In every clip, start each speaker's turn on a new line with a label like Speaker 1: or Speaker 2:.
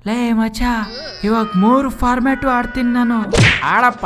Speaker 1: ಲೇ ಮಚ್ಚ, ಇವಾಗ 3 ಫಾರ್ಮ್ಯಾಟು ಆಡ್ತೀನಿ ನಾನು.
Speaker 2: ಆಡಪ್ಪ,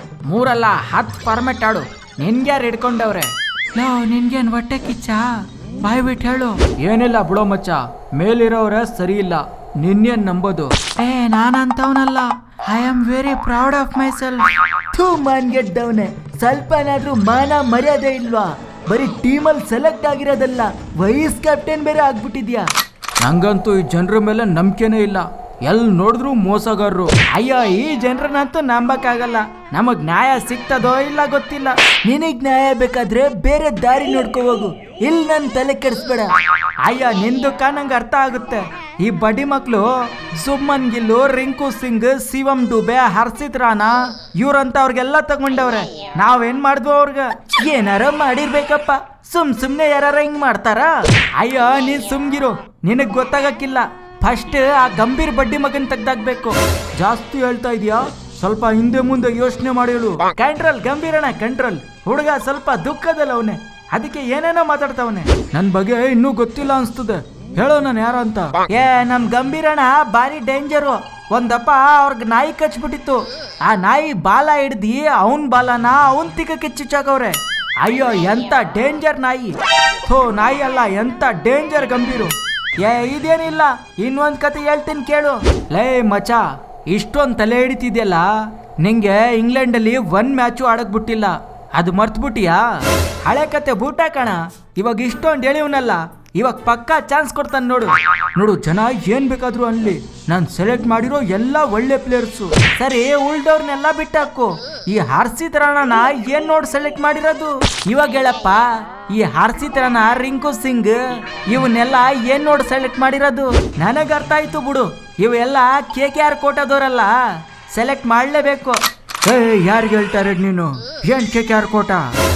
Speaker 2: 3 ಅಲ್ಲ 10 ಫಾರ್ಮ್ಯಾಟ್ ಆಡು. ನಿನ್ಗ್ಯಾರು ಹಿಡ್ಕೊಂಡವ್ರೆ?
Speaker 1: ಲೋ, ನಿನ್ಗೇನ್ ಹೊಟ್ಟೆ ಕಿಚ್ಚ? ಬಾಯ್ ಬಿಟ್ಟು ಹೇಳು.
Speaker 2: ಏನಿಲ್ಲ ಬಿಡೋ ಮಚ್ಚ, ಮೇಲಿರೋರೆ ಸರಿ ಇಲ್ಲ, ನಿನ್ನೇನ್ ನಂಬೋದು?
Speaker 1: ನಾನಂತವನಲ್ಲ. I am very proud of myself.
Speaker 3: ಥೂ ಮಾನ್ಗೆದ್ದವನೆ, ಸ್ವಲ್ಪನಾದ್ರೂ ಮಾನ ಮರ್ಯಾದೆ ಇಲ್ವಾ? ಬರೀ ಟೀಮಲ್ಲಿ ಸೆಲೆಕ್ಟ್ ಆಗಿರೋದಲ್ಲ, ವೈಸ್ ಕ್ಯಾಪ್ಟನ್ ಬೇರೆ ಆಗ್ಬಿಟ್ಟಿದ್ಯಾ.
Speaker 2: ನಂಗಂತೂ ಈ ಜನರ ಮೇಲೆ ನಂಬಿಕೆನೇ ಇಲ್ಲ. ಎಲ್ಲಿ ನೋಡಿದ್ರು ಮೋಸಗಾರರು.
Speaker 1: ಅಯ್ಯೋ, ಈ ಜನರನ್ನಂತೂ ನಂಬಕ್ಕಾಗಲ್ಲ. ನಮಗ್ ನ್ಯಾಯ ಸಿಗ್ತದೋ ಇಲ್ಲ ಗೊತ್ತಿಲ್ಲ.
Speaker 3: ನಿನಗ್ ನ್ಯಾಯ ಬೇಕಾದ್ರೆ ಬೇರೆ ದಾರಿ ನೋಡ್ಕೋ ಹೋಗು, ಇಲ್ಲಿ ನನ್ ತಲೆ ಕೆಡಿಸ್ಬೇಡ.
Speaker 1: ಅಯ್ಯ, ನಿಂದು ನಂಗೆ ಅರ್ಥ ಆಗುತ್ತೆ. ಈ ಬಡ್ಡಿ ಮಕ್ಳು ಸುಮನ್ ಗಿಲ್ಲು, ರಿಂಕು ಸಿಂಗ್, ಶಿವಂ ಡುಬೆ, ಹರ್ಷಿತ್ ರಾಣಾ ಇವ್ರಂತ ಅವ್ರಿಗೆಲ್ಲ ತಗೊಂಡವ್ರೆ. ನಾವೇನ್ ಮಾಡಿದ್ವು ಅವ್ರಿಗೆ?
Speaker 3: ಏನಾರ ಮಾಡಿರ್ಬೇಕಪ್ಪ, ಸುಮ್ನೆ ಯಾರ ಹಿಂಗ್ ಮಾಡ್ತಾರ?
Speaker 1: ಅಯ್ಯೋ, ನೀನ್ ಸುಮ್ಗಿರು, ನಿನಗ್ ಗೊತ್ತಾಗಕ್ಕಿಲ್ಲ. ಫಸ್ಟ್ ಆ ಗಂಭೀರ್ ಬಡ್ಡಿ ಮಗನ್ ತೆಗ್ದಾಕ್ಬೇಕು. ಜಾಸ್ತಿ ಹೇಳ್ತಾ ಇದೀಯಾ? ಸ್ವಲ್ಪ ಹಿಂದೆ ಮುಂದೆ ಯೋಚನೆ ಮಾಡಿ ಹೇಳು. ಕಂಟ್ರೋಲ್ ಗಂಭೀರಣ, ಕಂಟ್ರೋಲ್. ಹುಡುಗ ಸ್ವಲ್ಪ ದುಃಖದಲ್ಲ ಅವನೇ, ಅದಕ್ಕೆ ಏನೇನೋ ಮಾತಾಡ್ತಾವನೆ. ನನ್ ಬಗ್ಗೆ ಇನ್ನೂ ಗೊತ್ತಿಲ್ಲ ಅನ್ಸ್ತದೆ. ಹೇಳೋ ನಾನು ಯಾರ ಅಂತ. ನಮ್ ಗಂಭೀರಣ ಬಾರಿ ಡೇಂಜರು. ಒಂದಪ್ಪ ಅವ್ರಿಗೆ ನಾಯಿ ಕಚ್ಬಿಟ್ಟಿತ್ತು. ಆ ನಾಯಿ ಬಾಲ ಹಿಡ್ದಿ ಅವನ್ ಬಾಲನ ಅವನ್ ತಿಕ್ಕಕ್ಕೆ ಚುಚ್ಚಾಕವ್ರೆ. ಅಯ್ಯೋ, ಎಂತ ಡೇಂಜರ್ ನಾಯಿ. ಥೋ, ನಾಯಿ ಅಲ್ಲ, ಎಂತ ಡೇಂಜರ್ ಗಂಭೀರು. ಇದೇನಿಲ್ಲ, ಇನ್ನೊಂದ್ ಕತೆ ಹೇಳ್ತೀನಿ ಕೇಳು. ಲೇ ಮಚ, ಇಷ್ಟೊಂದ್ ತಲೆ ಹಿಡಿತಿದ್ಯಲ್ಲ, ನಿಂಗೆ ಇಂಗ್ಲೆಂಡ್ ಅಲ್ಲಿ 1 ಮ್ಯಾಚು ಆಡಕ್ ಬಿಟ್ಟಿಲ್ಲ, ಅದು ಮರ್ತ್ಬಿಟ್ಟಿಯಾ? ಹಳೆ ಕತೆ ಬೂಟ ಕಣ. ಇವಾಗ ಇಷ್ಟೊಂದು ಹೇಳಿವ್ನಲ್ಲ, ಇವಾಗ ಪಕ್ಕಾ ಚಾನ್ಸ್ ಕೊಡ್ತಾನೆ ನೋಡು. ನೋಡು, ಜನ ಏನ್ ಬೇಕಾದ್ರು ಅನ್ಲಿ, ನಾನ್ ಸೆಲೆಕ್ಟ್ ಮಾಡಿರೋ ಎಲ್ಲ ಒಳ್ಳೆ ಪ್ಲೇಯರ್ಸು. ಸರಿ, ಉಳ್ದವ್ರನ್ನೆಲ್ಲ ಬಿಟ್ಟಾಕು. ಈ ಹರ್ಷಿತ್ ರಾಣಾನ ಏನ್ ನೋಡಿ ಸೆಲೆಕ್ಟ್ ಮಾಡಿರೋದು? ಇವಾಗ ಹೇಳಪ್ಪ, ಈ ಹರ್ಷಿತ್ ರಾಣಾ, ರಿಂಕು ಸಿಂಗ್ ಇವನ್ನೆಲ್ಲ ಏನ್ ನೋಡಿ ಸೆಲೆಕ್ಟ್ ಮಾಡಿರೋದು? ನನಗ್ ಅರ್ಥ ಆಯ್ತು ಬಿಡು. ಇವೆಲ್ಲ KKR ಕೋಟದವರಲ್ಲ, ಸೆಲೆಕ್ಟ್ ಮಾಡ್ಲೇಬೇಕು. ಯಾರಿಗೆ ಹೇಳ್ತಾರೆ ನೀನು? ಏನ್ KKR ಕೋಟ?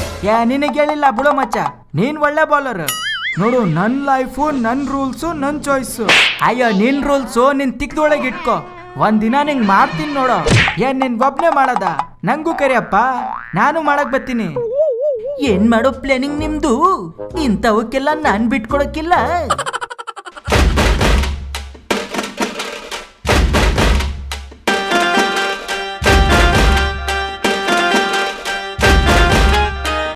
Speaker 1: ನಿನಗೆ ಹೇಳಿಲ್ಲ ಬಿಡು ಮಚ್ಚ, ನೀನ್ ಒಳ್ಳೆ ಬೌಲರ್. ನೋಡು, ನನ್ ಲೈಫು, ನನ್ ರೂಲ್ಸು, ನನ್ ಚಾಯ್ಸು. ಅಯ್ಯೋ, ನಿನ್ ರೂಲ್ಸು ನಿನ್ ತಿಕ್ದೊಳಗೆ ಇಟ್ಕೋ. ಒಂದಿನ ನಿಂಗ್ ಮಾಡ್ತೀನಿ ನೋಡು. ನಿನ್ ಒಬ್ನೇ ಮಾಡದ? ನಂಗೂ ಕರಿಯಪ್ಪ, ನಾನು ಮಾಡಕ್ ಬರ್ತೀನಿ.
Speaker 3: ಏನ್ ಮಾಡೋ ಪ್ಲಾನಿಂಗ್ ನಿಮ್ದು? ಇಂಥವಕ್ಕೆಲ್ಲ ನಾನ್ ಬಿಟ್ಕೊಡಕ್ಕಿಲ್ಲ.